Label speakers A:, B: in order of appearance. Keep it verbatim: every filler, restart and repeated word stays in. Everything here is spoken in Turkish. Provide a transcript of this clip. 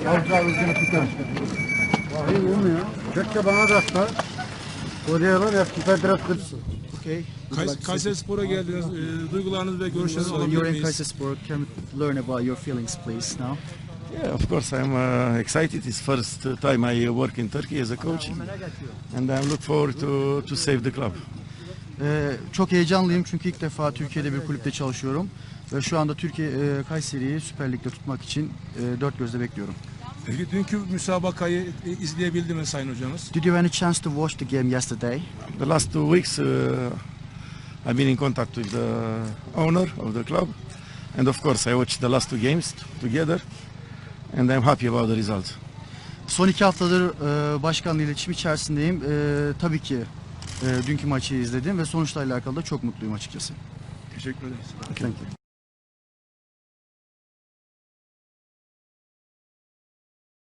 A: Our driver is gonna pick up.
B: Vahiy olmuyor. Keşke bana da atsa. Koruyorlar ya, biraz kırsın.
A: Okay.
C: Kays Kayserispor'a geldiniz. E, duygularınız ve görüşlerinizi
A: So
C: alabilir
A: you're in
C: miyiz?
A: Kayserispor. Can we learn about your feelings, please, now?
D: Yeah, of course I'm uh, excited. It's first time I work in Turkey as a coach, and I look forward to to save the club.
A: Ee, çok heyecanlıyım çünkü ilk defa Türkiye'de bir kulüpte çalışıyorum ve şu anda Türkiye e, Kayseri'yi Süper Lig'de tutmak için e, dört gözle bekliyorum.
C: Peki dünkü müsabakayı e, izleyebildi mi Sayın Hocamız?
A: Did you have any chance to watch the game yesterday?
D: The last two weeks uh, I've been in contact with the owner of the club, and of course I watched the last two games together, and I'm happy about the result.
A: Son iki haftadır e, başkanla iletişim içerisindeyim. E, tabii ki e, dünkü maçı izledim ve sonuçla alakalı da çok mutluyum açıkçası.
C: Teşekkür ederiz.
A: Thank you.